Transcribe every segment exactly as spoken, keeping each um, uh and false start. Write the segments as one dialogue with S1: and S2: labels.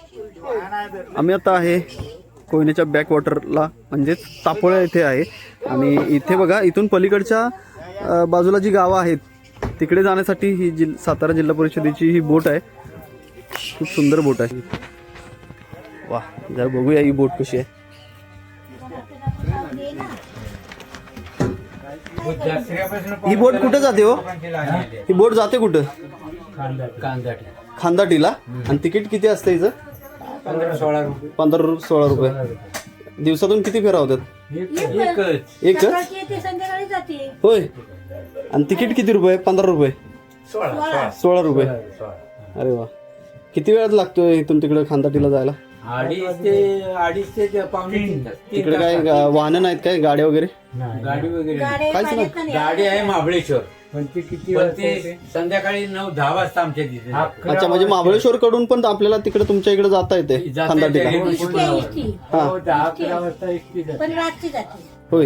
S1: आम्ही आता आहे कोयनेच्या बॅकवॉटरला म्हणजेच तापोळ्या इथे आहे आणि इथे बघा इथून पलीकडच्या बाजूला जी गावं आहेत तिकडे जाण्यासाठी ही जिल सातारा जिल्हा परिषदेची ही बोट आहे. खूप सुंदर बोट आहे. वा जरा बघूया ही बोट कशी आहे. ही बोट कुठे जाते हो? ही बोट जाते कुठं? खांदाटीला. आणि तिकीट किती असतं हिचं?
S2: पंधरा सोळा रुपये.
S1: पंधरा सोळा रुपये. दिवसातून किती फेरा होतात? एकच. होय. आणि तिकीट किती रुपये? पंधरा रुपये. सोळा रुपये. अरे वा. किती वेळात लागतोय इथून तिकडे खांदाटीला जायला?
S2: अडीच ते अडीच ते पावणे तीन तास.
S1: तिकडे काय वाहनं नाहीत काय? गाड्या वगैरे?
S2: गाडी वगैरे
S1: काहीच नाही.
S2: गाडी आहे महाबळेश्वर पण ती किती संध्याकाळी नऊ दहा वाजता आमच्या तिथे.
S1: अच्छा म्हणजे महाबळेश्वर कडून पण आपल्याला तिकडे तुमच्या इकडे जाता येते खांदाटीला?
S2: दहा अकरा वाजता
S1: होय.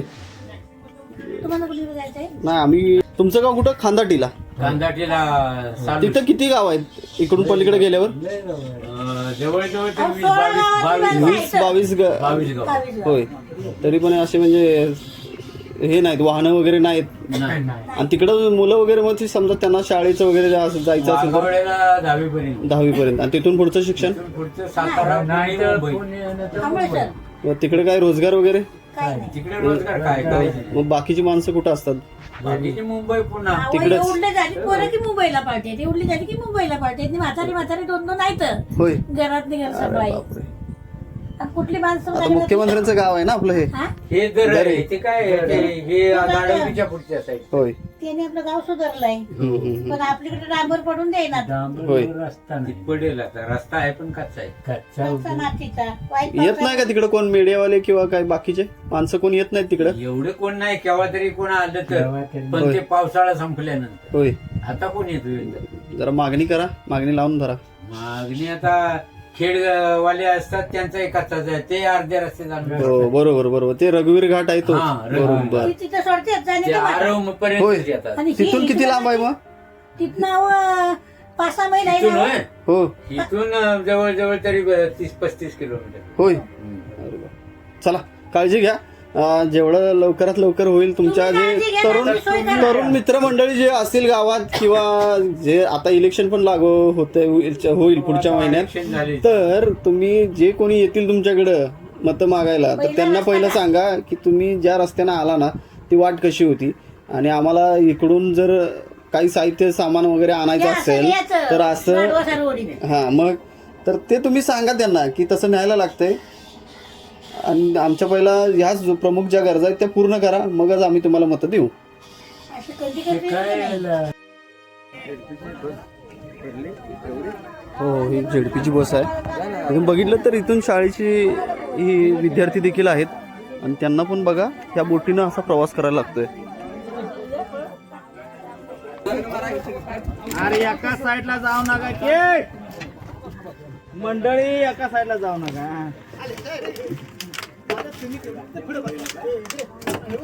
S1: नाही आम्ही तुमचं गाव कुठं? खांदाटीला.
S2: खांदाटीला
S1: तिथं किती गाव आहेत इकडून पलीकडे गेल्यावर?
S2: जवळजवळ वीस बावीस
S1: वीस बावीस
S2: बावीस गाव.
S1: होय. तरी पण असे म्हणजे हे नाहीत वाहनं वगैरे नाहीत. आणि तिकडं मुलं वगैरे मग समजा त्यांना शाळेचं वगैरे जायचं असेल तर
S2: दहावी पर्यंत
S1: दहावी पर्यंत. आणि तिथून पुढचं शिक्षण
S2: पुढचं सातारा
S1: तिकडे काय रोजगार वगैरे?
S2: तिकडे रोजगार काय करायचे?
S1: मग बाकीची माणसं कुठं असतात?
S2: बाकीचे मुंबई पुन्हा
S1: तिकडे
S3: उडले झाली पोरं की मुंबईला पाठवते. ती उडली झाली की मुंबईला पाठवते. म्हातारी म्हातारी दोन दोन आहेत
S1: होय.
S3: घरात घर सगळं
S1: बापरे.
S3: कुठली माणसं
S1: आता मुख्यमंत्र्यांचं गाव आहे ना आपलं हे?
S2: हे दर आहे ते काय ते- हे गाडवलीच्या पुढच्या साईड.
S1: होय.
S3: त्याने आपलं गाव सुधारलंय
S1: हम्म, हम्म,
S3: पण आपल्याकडे डांबर पडून देईना.
S1: होय.
S2: रस्ता पडेल आता. रस्ता आहे पण कच्चा आहे.
S3: कच्चा मातीचा वाईट
S1: येत नाही का तिकडे कोण मीडियावाले किंवा काय बाकीचे माणसं कोण येत नाहीत तिकडे?
S2: एवढे कोण नाही केव्हा तरी कोण आलं तर पण ते पावसाळा संपल्यानंतर.
S1: होय.
S2: आता कोण येतो?
S1: जरा मागणी करा. मागणी लावून धरा.
S2: मागणी आता खेडवाले असतात त्यांचा एक तास आहे ते अर्ध्या रस्ते जाणून
S1: हो बरोबर बरोबर. ते रघुवीर घाट आहे तो.
S2: हा, रघुवीर
S1: बरोबर.
S3: ती तिथं सोडते जाणे
S2: ते
S3: का मला.
S2: आरव
S1: होय.
S2: पर्यंत येतात.
S3: आणि ही
S1: तिथून किती लांब आहे मग?
S3: तिथनं पाच सहा महिने आहे
S2: इथून
S3: ना.
S2: होय?
S1: हो
S2: इथून जवळ जवळ तरी तीस पस्तीस किलोमीटर.
S1: होय. अरे वा. चला काळजी घ्या. अं, जेवढं लवकरात लवकर होईल तुमच्या
S3: तुम्ही
S1: जे
S3: काळजी घ्या,
S1: तरुण
S3: आम्ही सोय करा.
S1: तरुण मित्रमंडळी जे असतील गावात किंवा जे आता इलेक्शन पण लागू होते होईल पुढच्या महिन्यात,
S2: Election झाले.
S1: तर तुम्ही जे कोणी येतील तुमच्याकडं मतं मागायला तर त्यांना पहिलं सांगा की तुम्ही ज्या रस्त्यानं आला ना ती वाट कशी होती आणि आम्हाला इकडून जर काही साहित्य सामान वगैरे आणायचं
S3: या असं
S1: असेल
S3: याचं.
S1: तर असं
S3: वाढवा रोडीने.
S1: हा मग तर ते तुम्ही सांगा त्यांना की तसं न्यायला लागतंय आणि आमच्या पहिला ह्याच जो प्रमुख ज्या गरजा आहेत त्या पूर्ण करा मगच आम्ही तुम्हाला मतं देऊ.
S3: असं कधी कधी नाही.
S1: हो ही झेडपीची बस आहे. तुम्ही बघितलं तर इथून शाळेची ही विद्यार्थी देखील आहेत आणि त्यांना पण बघा ह्या बोटीनं असा प्रवास करायला लागतोय.
S4: अरे एका साईडला जाऊ नका की मंडळी, एका साईडला जाऊ नका.